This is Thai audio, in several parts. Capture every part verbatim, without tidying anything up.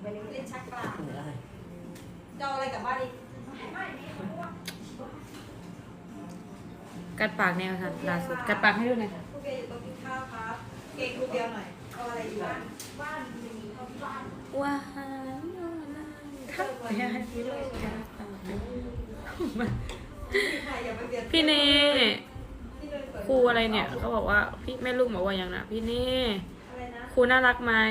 ไปเล่นชักกลางเหนื่อยอะไรจะเอาอะไรกลับบ้านอีกกัดปากแนวค่ะล่าสุดกัดปากให้ดูหน่อยค่ะครูเบียร์อยู่โต๊ะกินข้าวครับเก่งครูเบียร์หน่อยเอาอะไรอยู่บ้านบ้านมีเขาที่บ้านว้าวทักไปให้พี่เลยค่ะ พี่เนครูอะไรเนี่ยเขาบอกว่าพี่แม่ลูกบอกว่าอย่างนะพี่เนอะไรนะครูน่ารักไหม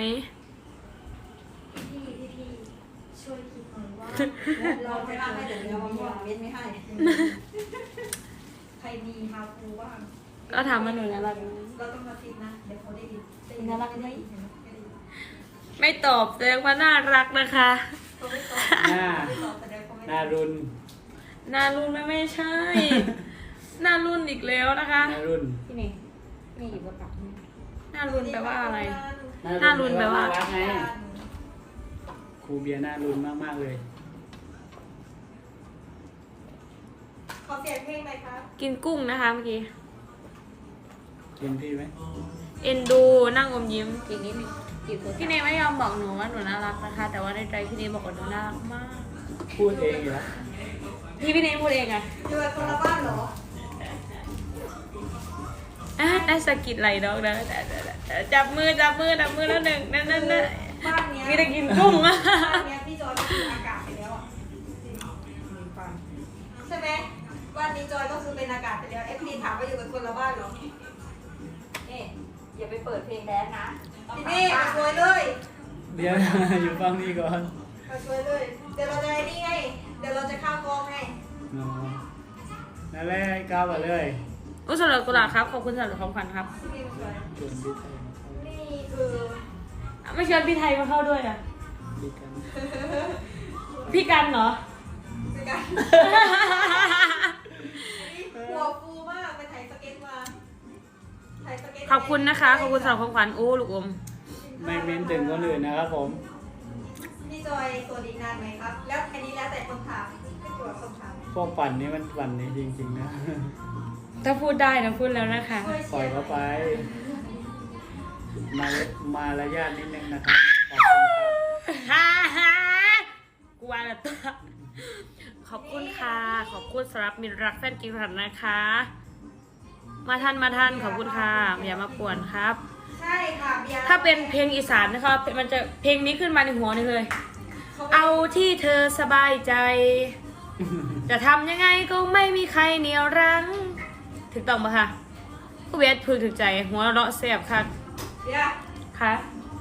พี่พี่พี่ช่วยคิดหน่อยว่าเราไม่ได้ให้เดี๋ยวเราเอาเว้นไม่ให้ใครมีฮาฟูบ้างก็ถามมาหนูน่ารักไหมเราต้องมาคิดนะเดี๋ยวเขาได้ยินได้ยิน่ารักไหมได้ยินไม่ตอบแสดงว่าน่ารักนะคะเขาไม่ตอบหน้าไม่ตอบแสดงเขาไม่หน้ารุ่นน่ารุ่นไม่ไม่ใช่ น่ารุ่นอีกแล้วนะคะหน้ารุ่นพี่เนมีอีกประกาศน่ารุ่นแปลว่าอะไรหหน้ารุ่นแปลว่าน่รักไงครูเบียร์หน้ารุ่นมากๆเลยขอเสียงเพลงหน่อยครับกินกุ้งนะคะเมื่อกี้กินพี่ไหมเอ็นดูนั่งอมยิ้มอีกนิดนึงพี่เนไม่ยอมบอกหนูว่าหนูน่ารักนะคะ แต่ว่าในใจพี่เนบอกว่าหนูน่ารักมากพูดเองอยู่แล้วพี่พี่เนพูดเองอะอยู่กับคนละบ้านเหรออ่ะได้สะกิดไหลดอกนะจับมือจับมือจับมือแล้วหนึ่งนั่นนั่นนั่นบ้านเนี้ยมีแต่กินกุ้งอะบ้านเนี้ยพี่จอยก็คืออากาศไปแล้วอ่ะใช่ไหมบ้านนี้จอยก็คือเป็นอากาศไปแล้วเอฟพีถามว่าอยู่กับคนละบ้านเหรอนี่อย่าไปเปิดเพลงแดนนะทีนี่มาช่วยเลยเดี๋ยว อยู่ฟังนี่ก่อนมาช่วยเลย เดี๋ยวเราจะไอ้นี่ไง เดี๋ยวเราจะเข้ากองไงอ๋อนั่นแหละก้าวมาเลยอุ้ยสำหรับกุหลาบครับขอบคุณสำหรับของขวัญครับที่นี่มาช่วยชวนพี่ไทยมาเข้านี่คือไม่ชวนพี่ไทยมาเข้าด้วยอะดีกันพี่กันเหรอคือการหัวฟูมากไปถ่ายสเก็ตมาถ่ายสเก็ตขอบคุณนะคะขอบคุณสำหรับของขวัญโอ้ลูกอมไม่เม้นถึงคนอื่นนะครับผมพี่จอยสวัสดีนานไหมครับ แล้วอันนี้แล้วแต่คนถามไม่เกี่ยวกับคนถามพวกปั่นนี่มันปั่นนี่จริงๆนะถ้าพูดได้นะพูดแล้วนะคะช่วยปล่เชีอยร์เขาไป มามารยาทนิดนึงนะครับขอบคุณครับฮ่าฮ่ากลัวละตัวขอบคุณค่ะ ขอบคุณสำหรับมิตรรักแฟนกิรันนะคะ มาทันมาทันขอบคุณค่ะอย่ามาป่วนครับใช่ค่ะเบียร์ถ้าเป็นเพลงอีสานนะคะมันจะเพลงนี้ขึ้นมาในหัวนี่เลย เอาที่เธอสบายใจ จะทำยังไงก็ไม่มีใครเหนียวรั้งถูกต้องปะคะผู้เวทพึงถึงใจ หัวเราะแสบค่ะเบียร์ค่ะ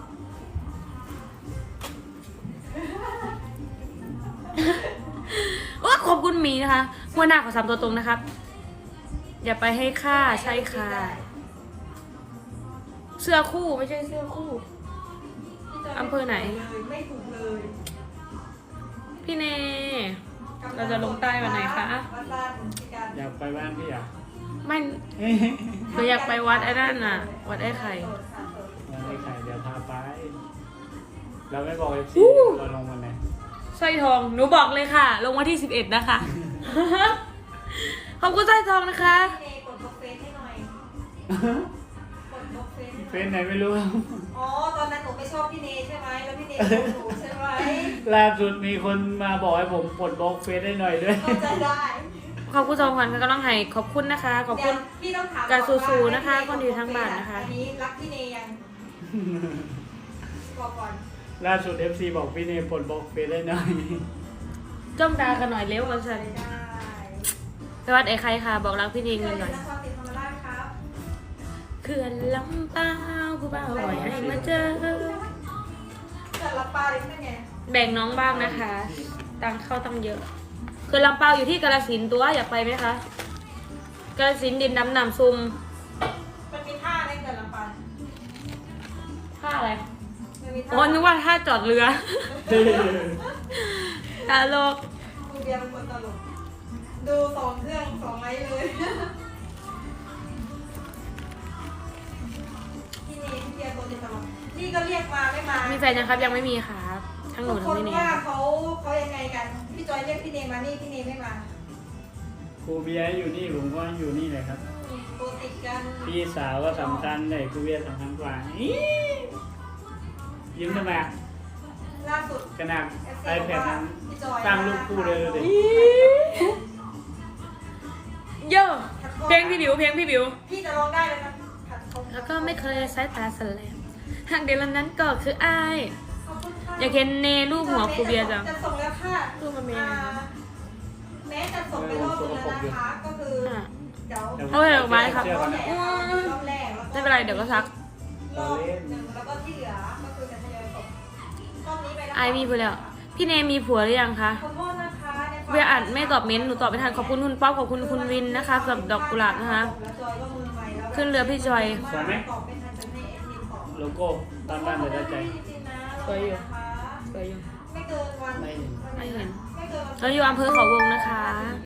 โอ้ขอบคุณหมีนะคะหัวหน้าของสามตัวตรงนะครับ อย่าไปให้ค่าใช่ค่ะ เสื้อคู่ไม่ใช่เสื้อคู่ อำเภอไหนไม่ถูกเลยพี่เน เราจะลงใต้วันไหนคะวัดบ้านพี่การอยากไปบ้านพี่อ่ะไม่หนูอยากไปวัดไอ้นั่นน่ะ วัดไอ้ไข่วันนี้ใครเดี๋ยวพาไป เราไม่บอกเอฟซีอู้เราลงวันไหนสร้อยทอง หนูบอกเลยค่ะ ลงวันที่สิบเอ็ดนะคะ ขอบคุณสร้อยทองนะคะพี่เนกดบล็อกเฟซให้หน่อยกดบล็อกเฟซให้หเฟน่อยซไหนไม่รู้อ๋อตอนนั้นหนูไม่ชอบพี่เนใช่ไหมแล้วพี่เนชอบหนูใช่ไหมล่าสุดมีคนมาบอกให้ผมปลดบล็อกเฟซได้หน่อยด้วยเข้าใจได้ขอบคุณสองพันค่ะกำลังให้ขอบคุณนะคะ ขอบคุณเดี๋ยวพี่ต้องถามการก่อนว่าสู้ๆนะคะให้คนอยู่ทางบ้านนะคะอันนี้รักพี่เนยังบอกก่อนล่าสุด เอฟ ซี บอกพี่เนยปลดบล็อกเฟซได้หน่อยจ้องตากันหน่อยเร็วกันสันได้ไปวัดไอ้ใครค่ะ บอกรักพี่เนพี่เงินอหน่อยยู่นครศรีธรรมราชครับเขื่อนลำเปล่าผู้บ่าวปล่อยให้มาเจอแต่ละปลาเลยนั่นไงแบ่งน้องบ้างนะคะ ตังเข้าตังเยอะเขื่อนลำเปล่าอยู่ที่กาฬสินธุ์ตัวอยากไปไหมคะกาฬสินธุ์ดินดำน้ำซุมมันมีท่าในแต่ละปลาท่าอะไรมันมีท่าอ๋อนึกว่าท่าจอดเรือตลกครูเบียร์เป็นคนตลกดูสองเครื่องสองไม้เลยพี่เนพี่เบียร์ตัวติดตลกนี่ก็เรียกมาไม่มามีแฟนยังครับยังไม่มีครับทั้งหนูทุกทั้คงนพี่เนว่าเขาเขายังไงกัน พี่จอยเรียกพี่เนมานี่พี่เนไม่มาครูเบียร์อยู่นี่ผมก็อยู่นี่เลยครับตัวติดกันพี่สาวก็สำคัญเลยครูเบียร์สำคัญกว่าอี้ยิ้มทำไมอ่ะรล่าสุดขนาดเอฟไอซีแพดนั้นพี่จอยสร้างรูปคู่เลยดูดิโยเพลงพี่บิวเพลงพี่บิวพี่จะร้องได้เลยนะขัดเขาแล้วก็ไม่เคยสายตาสแลมหากเดียวนั้นก็คืออายขอบคุณค่ะอยากเห็นเนรูปหัวครูเบียร์จังจะส่งแล้วค่ะรูปมันเป็นยังไงอ่าแม้จะส่งไปรอบนึงแล้วนะคะก็คืออ่ะเดี๋ยวเอาไปดอกไม้ครับรอบแรกรอบแรกแล้วก็ไม่เป็นไรเดี๋ยวก็ซักรอบหนึ่งแล้วก็ที่เหลือก็คือจะทยอยส่งรอบนี้ไปแล้วไอมีผัวแล้ว พี่เนมีผัวหรือยังคะขอโทษนะคะในควมเวียอ่านไม่ตอบเม้นต์หนูตอบไม่ทันขอบคุณคุณป๊อปขอบคุณคุณวินนะคะสำหรับดอกกุหลาบนะคะแล้วจอยก็มือใหม่แล้วขึ้นเรือพี่จอยสวยไหมตอบไม่ทันจะให้เอ็นทีตอบโลโก้บ้านบ้านเลยได้ใจสวยอยู่ สวยอยู่ไม่เกินวันไม่เห็นไม่เห็นไม่เกินวันเราอยู่อำเภอเขาวงนะคะ